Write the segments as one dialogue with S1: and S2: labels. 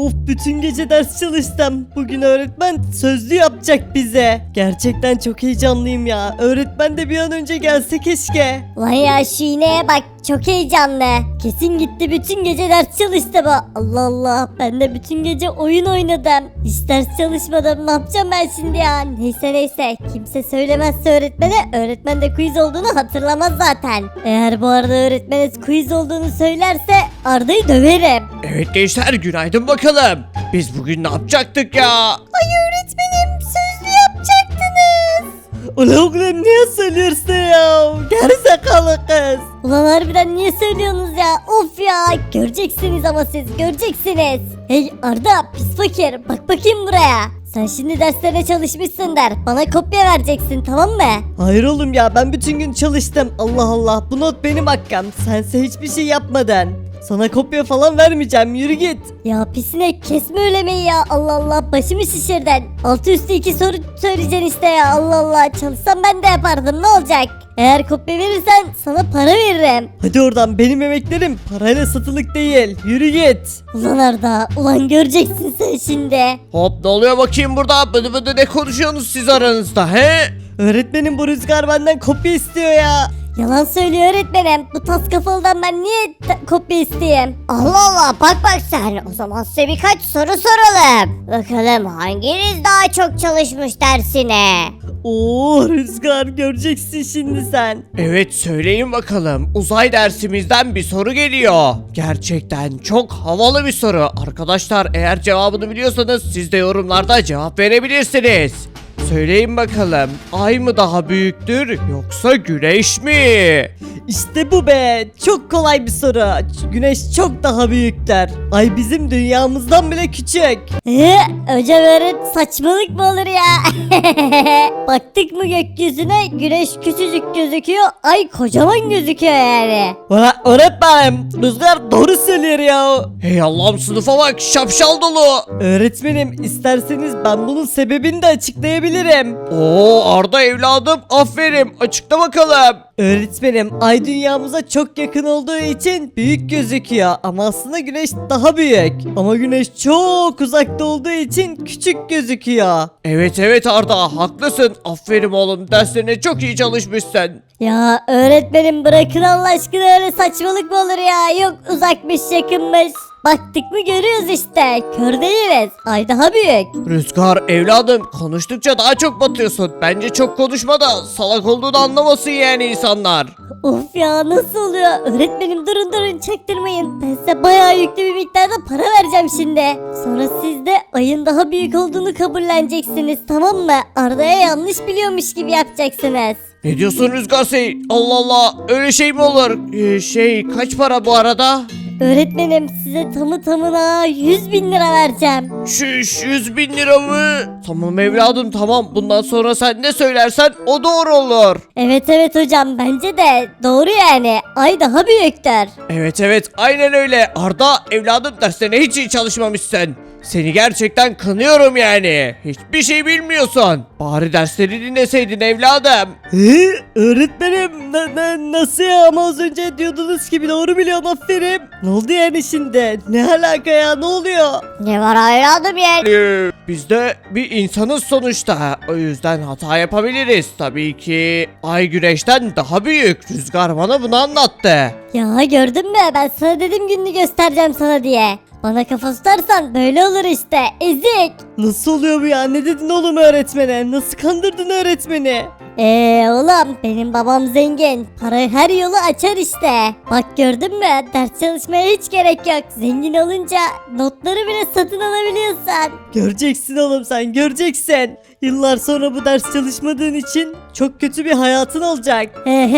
S1: Of, bütün gece ders çalıştım. Bugün öğretmen sözlü yapacak bize. Gerçekten çok heyecanlıyım ya. Öğretmen de bir an önce gelse keşke.
S2: Vay ya, şu iğneye bak, çok heyecanlı. Kesin gitti bütün gece ders çalıştı bu. Allah Allah, ben de bütün gece oyun oynadım. Hiç ders çalışmadım, ne yapacağım ben şimdi ya? Neyse, kimse söylemezse öğretmen de quiz olduğunu hatırlamaz zaten. Eğer bu arada öğretmeniz quiz olduğunu söylerse Arda'yı döverim.
S3: Evet gençler, günaydın bakalım. Biz bugün ne yapacaktık ya?
S2: Ay öğretmenim, sözlü yapacaktınız.
S1: Ulan oğlum, niye söylüyorsun ya? Gerizekalı kız.
S2: Ulan harbiden niye söylüyorsunuz ya? Of ya, göreceksiniz ama siz göreceksiniz. Hey Arda, pis fakir, bak bakayım buraya. Sen şimdi derslerine çalışmışsın der. Bana kopya vereceksin, tamam mı?
S1: Hayır oğlum ya, ben bütün gün çalıştım. Allah Allah, bu not benim hakkım. Sense hiçbir şey yapmadın. Sana kopya falan vermeyeceğim, yürü git.
S2: Ya pisine kesme öylemeyi ya. Allah Allah, başımı şişirdin. Altı üstü 2 soru söyleyeceksin işte ya. Allah Allah, çalışsam ben de yapardım, ne olacak? Eğer kopya verirsen sana para veririm.
S1: Hadi oradan, benim emeklerim parayla satılık değil. Yürü git.
S2: Ulan Arda, ulan göreceksin sen şimdi.
S3: Hop, ne oluyor bakayım burada? Bıdı bıdı ne konuşuyorsunuz siz aranızda he?
S1: Öğretmenim, bu Rüzgar benden kopya istiyor ya.
S2: Yalan söylüyor öğretmenim. Bu tas kafalıdan ben niye kopya isteyeyim? Allah Allah, bak sen. O zaman size birkaç soru soralım. Bakalım hanginiz daha çok çalışmış dersine?
S1: Oo Rüzgar, göreceksin şimdi sen.
S3: Evet, söyleyin bakalım. Uzay dersimizden bir soru geliyor. Gerçekten çok havalı bir soru. Arkadaşlar, eğer cevabını biliyorsanız siz de yorumlarda cevap verebilirsiniz. Söyleyin bakalım, ay mı daha büyüktür yoksa güneş mi?
S1: İşte bu be, çok kolay bir soru. Güneş çok daha büyükler. Ay bizim dünyamızdan bile küçük.
S2: Hocam saçmalık mı olur ya? Baktık mı gökyüzüne, güneş küçücük gözüküyor, ay kocaman gözüküyor yani.
S1: Öğretmenim, Rüzgar doğru söylüyor ya.
S3: Hey Allah'ım, sınıfa bak, şapşal dolu.
S1: Öğretmenim, isterseniz ben bunun sebebini de açıklayabilirim.
S3: Oo Arda evladım, aferin, açıkla bakalım.
S1: Öğretmenim, ay dünyamıza çok yakın olduğu için büyük gözüküyor ama aslında güneş daha büyük. Ama güneş çok uzakta olduğu için küçük gözüküyor.
S3: Evet Arda, haklısın, aferin oğlum, derslerine çok iyi çalışmışsın.
S2: Ya öğretmenim, bırakın Allah aşkına, öyle saçmalık mı olur ya? Yok uzakmış yakınmış. Baktık mı görüyoruz işte. Kör değiliz. Ay daha büyük.
S3: Rüzgar evladım, konuştukça daha çok batıyorsun. Bence çok konuşma da salak olduğunu anlamasın yani insanlar.
S2: Of ya, nasıl oluyor? Öğretmenim durun çaktırmayın. Ben size bayağı yüklü bir miktarda para vereceğim şimdi. Sonra siz de ayın daha büyük olduğunu kabulleneceksiniz, tamam mı? Arda'ya yanlış biliyormuş gibi yapacaksınız.
S3: Ne diyorsun Rüzgar Sey? Allah Allah, öyle şey mi olur? Kaç para bu arada?
S2: Öğretmenim, size tamına 100.000 lira vereceğim.
S3: 100 bin lira mı? Tamam evladım, tamam, bundan sonra sen ne söylersen o doğru olur.
S2: Evet hocam, bence de doğru yani. Ay daha büyüktür.
S3: Evet aynen öyle. Arda evladım, derslerine hiç iyi çalışmamışsın. Seni gerçekten kınıyorum yani. Hiçbir şey bilmiyorsun. Bari dersleri dinleseydin evladım.
S1: Öğretmenim, nasıl ya? Ama az önce diyordunuz ki doğru biliyorum, aferin. Ne oldu yani şimdi? Ne alaka ya, ne oluyor?
S2: Ne var evladım ya?
S3: Biz de bir insanız sonuçta. O yüzden hata yapabiliriz. Tabii ki ay güneşten daha büyük. Rüzgar bana bunu anlattı.
S2: Ya gördün mü, ben sana dedim gününü göstereceğim sana diye. Bana kafa tutarsan böyle olur işte, ezik.
S1: Nasıl oluyor bu ya? Ne dedin oğlum öğretmene? Nasıl kandırdın öğretmeni?
S2: Oğlum, benim babam zengin. Para her yolu açar işte. Bak gördün mü, ders çalışmaya hiç gerek yok. Zengin olunca notları bile satın alabiliyorsun.
S1: Göreceksin oğlum, sen göreceksin. Yıllar sonra bu ders çalışmadığın için çok kötü bir hayatın olacak.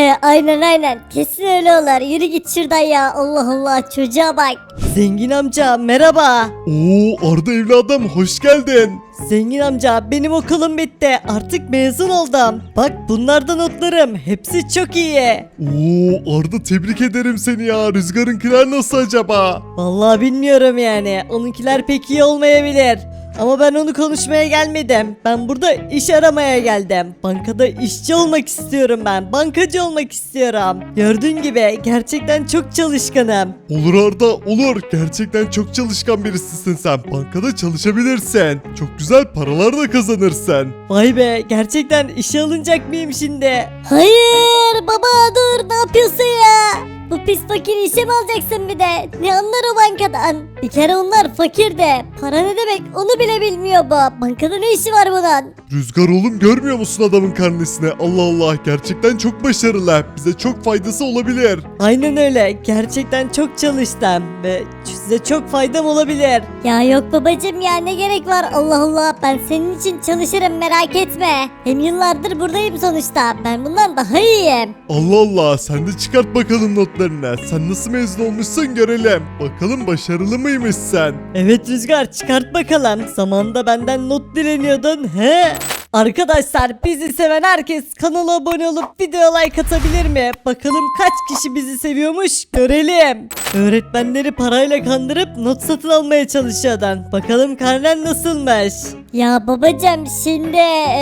S2: Aynen kesin öyle olur. Yürü git şuradan ya, Allah Allah, çocuğa bak.
S1: Zengin amca merhaba.
S4: Oo Arda evladım, hoş geldin.
S1: Zengin amca, benim okulum bitti. Artık mezun oldum. Bak, bunlar da notlarım. Hepsi çok iyi.
S4: Oo Arda, tebrik ederim seni ya. Rüzgar'ınkiler nasıl acaba?
S1: Vallahi bilmiyorum yani. Onunkiler pek iyi olmayabilir. Ama ben onu konuşmaya gelmedim. Ben burada iş aramaya geldim. Bankada işçi olmak istiyorum ben. Bankacı olmak istiyorum. Gördüğün gibi gerçekten çok çalışkanım.
S4: Olur Arda olur. Gerçekten çok çalışkan birisisin sen. Bankada çalışabilirsin. Çok güzel paralar da kazanırsın.
S1: Vay be, gerçekten işe alınacak mıyım şimdi?
S2: Hayır baba dur ne yapıyorsun ya? Bu pis fakir işe mi alacaksın bir de? Ne anlar o bankadan? Bir kere onlar fakir de. Para ne demek onu bile bilmiyor bu. Bankada ne işi var bunun?
S4: Rüzgar oğlum görmüyor musun adamın karnesini? Allah Allah gerçekten çok başarılı. Bize çok faydası olabilir.
S1: Aynen öyle. Gerçekten çok çalıştım ve size çok faydam olabilir.
S2: Ya yok babacım ya ne gerek var Allah Allah ben senin için çalışırım merak etme. Hem yıllardır buradayım sonuçta ben bundan daha iyiyim.
S4: Allah Allah sen de çıkart bakalım notlarını. Sen nasıl mezun olmuşsun görelim. Bakalım başarılı mıymışsın?
S1: Evet Rüzgar, çıkart bakalım. Zamanında benden not dileniyordun. He? Arkadaşlar, bizi seven herkes kanala abone olup video like atabilir mi? Bakalım kaç kişi bizi seviyormuş görelim. Öğretmenleri parayla kandırıp not satın almaya çalışıyordun. Bakalım karnen nasılmış?
S2: Ya babacım şimdi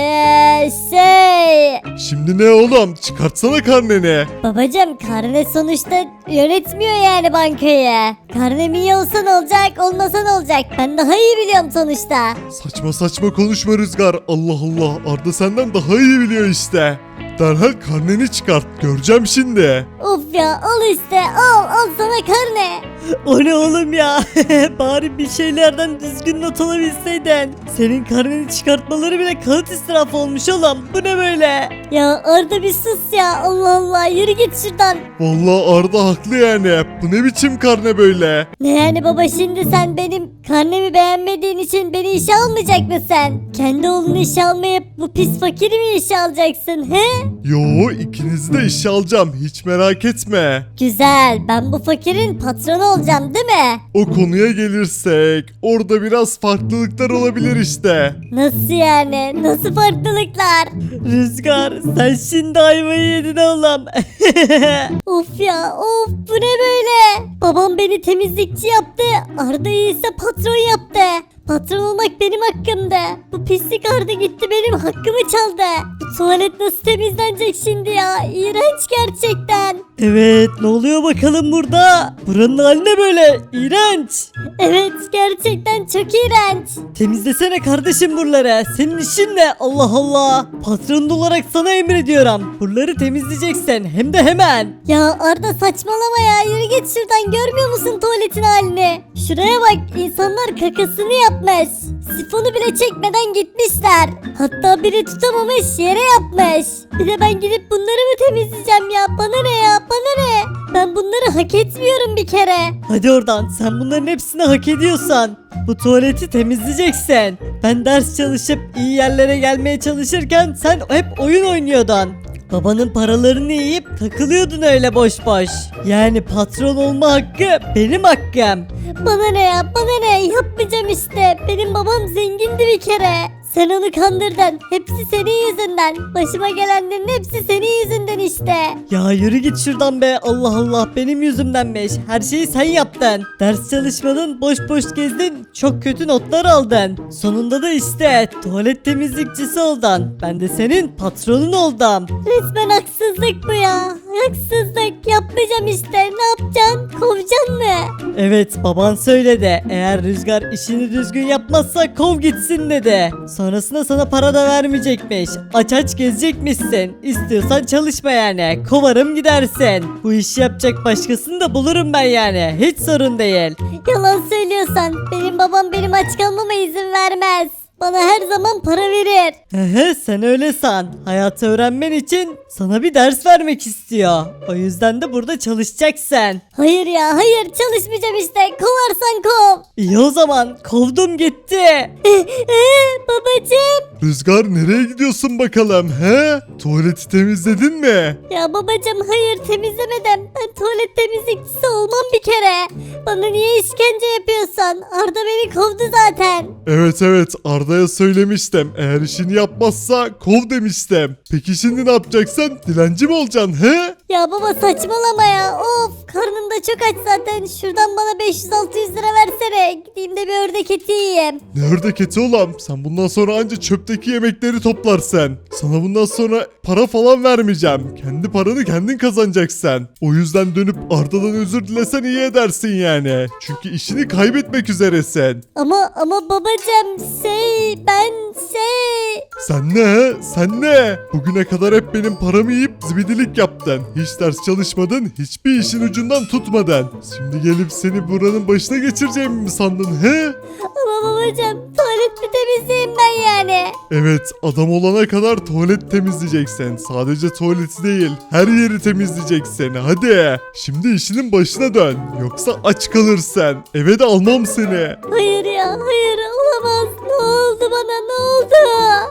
S2: şey...
S4: Şimdi ne oğlum? Çıkartsana karneni.
S2: Babacım karne sonuçta yönetmiyor yani bankayı. Karnem iyi olsa ne olacak olmasa ne olacak ben daha iyi biliyorum sonuçta.
S4: Saçma saçma konuşma Rüzgar. Allah Allah Arda senden daha iyi biliyor işte. Derhal karneni çıkart. Göreceğim şimdi.
S2: Of ya al işte al sana karne.
S1: O ne oğlum ya? Bari bir şeylerden düzgün not alabilseydin. Senin karneni çıkartmaları bile kağıt israfı olmuş oğlum. Bu ne böyle?
S2: Ya Arda bir sus ya Allah Allah yürü git şuradan.
S4: Vallahi Arda haklı yani. Bu ne biçim karne böyle?
S2: Ne yani baba şimdi sen benim karnemi beğenmediğin için beni işe almayacak mısın? Kendi oğlunu işe almayıp bu pis fakiri mi işe alacaksın he?
S4: Yo ikinizi de işe alacağım. Hiç merak etme.
S2: Güzel ben bu fakirin patronu olacağım değil mi?
S4: O konuya gelirsek orada biraz farklılıklar olabilir işte.
S2: Nasıl yani? Nasıl farklılıklar?
S1: Rüzgar, sen şimdi ayvayı yedin oğlum.
S2: Of ya of bu ne böyle? Babam beni temizlikçi yaptı. Arda'yı ise patron yaptı. Patron olmak benim hakkımdı. Bu pislik Arda gitti benim hakkımı çaldı. Bu tuvalet nasıl temizlenecek şimdi ya? İğrenç gerçekten.
S1: Evet, ne oluyor bakalım burada? Buranın hali ne böyle? İğrenç.
S2: Evet gerçekten çok iğrenç.
S1: Temizlesene kardeşim buraları. Senin işin ne? Allah Allah. Patron olarak sana emrediyorum. Buraları temizleyeceksin. Hem de hemen.
S2: Ya Arda saçmalama ya yürü git şuradan görmüyor musun tuvaletin halini? Şuraya bak insanlar kakasını yapmış. Sifonu bile çekmeden gitmişler. Hatta biri tutamamış yere yapmış. Bir de ben gidip bunları mı temizleyeceğim ya? Bana ne ya? Bana ne? Ben bunları hak etmiyorum bir kere.
S1: Hadi oradan. Sen bunların hepsini hak ediyorsan. Bu tuvaleti temizleyeceksin. Ben ders çalışıp iyi yerlere gelmeye çalışırken sen hep oyun oynuyordun. Babanın paralarını yiyip takılıyordun öyle boş boş. Yani patron olma hakkı benim hakkım.
S2: Bana ne ya? Bana ne? Yapmayacağım işte. Benim babam zengindi bir kere. Sen onu kandırdın. Hepsi senin yüzünden. Başıma gelenlerin hepsi senin yüzünden işte.
S1: Ya yürü git şuradan be, Allah Allah, benim yüzümdenmiş. Her şeyi sen yaptın. Ders çalışmadın, boş boş gezdin, çok kötü notlar aldın. Sonunda da işte tuvalet temizlikçisi oldun. Ben de senin patronun oldum.
S2: Resmen haksızlık bu ya. Haksızlık. Yapmayacağım işte. Ne yapacaksın? Kovacaksın mı?
S1: Evet, baban söyledi. Eğer Rüzgar işini düzgün yapmazsa kov gitsin dedi. Sonrasında sana para da vermeyecekmiş. Aç aç gezecekmişsin. İstiyorsan çalışma yani. Kovarım gidersin. Bu işi yapacak başkasını da bulurum ben yani. Hiç sorun değil.
S2: Yalan söylüyorsan benim babam benim aç kalmama izin vermez. Bana her zaman para verir.
S1: Hehe, sen öyle san. Hayatı öğrenmen için sana bir ders vermek istiyor. O yüzden de burada çalışacaksın.
S2: Hayır ya hayır çalışmayacağım işte. Kovarsan kov.
S1: İyi o zaman, kovdum gitti.
S2: Babacım.
S4: Rüzgar nereye gidiyorsun bakalım he? Tuvaleti temizledin mi?
S2: Ya babacım hayır temizlemedim. Ben tuvalet temizlikçisi olmam bir kere. Bana niye işkence yapıyorsun? Arda beni kovdu zaten.
S4: Evet Arda'ya söylemiştim. Eğer işini yapmazsa kov demiştim. Peki şimdi ne yapacaksın? Dilenci mi olacaksın he?
S2: Ya baba saçmalama ya. Of karnım da çok aç zaten. Şuradan bana 500-600 lira versene. Gideyim de bir ördek eti yiyeyim.
S4: Ne ördek eti oğlum? Sen bundan sonra anca çöpteki yemekleri toplarsan. Sana bundan sonra para falan vermeyeceğim. Kendi paranı kendin kazanacaksın. O yüzden dönüp Arda'dan özür dilesen iyi edersin yani. Çünkü işini kaybetmek üzeresin.
S2: Ama babacım ben
S4: Sen ne he? Sen ne? Bugüne kadar hep benim paramı yiyip zibidilik yaptın. Hiç ders çalışmadın, hiçbir işin ucundan tutmadın. Şimdi gelip seni buranın başına geçireceğimi mi sandın he?
S2: Ama babacım tuvalet mi temizleyeyim ben yani?
S4: Evet, adam olana kadar tuvalet temizleyeceksin. Sadece tuvaleti değil, her yeri temizleyeceksin. Hadi. Şimdi işinin başına dön. Yoksa aç kalırsın. Eve de almam seni.
S2: Hayır ya hayır olamaz. Ne oldu bana ne oldu?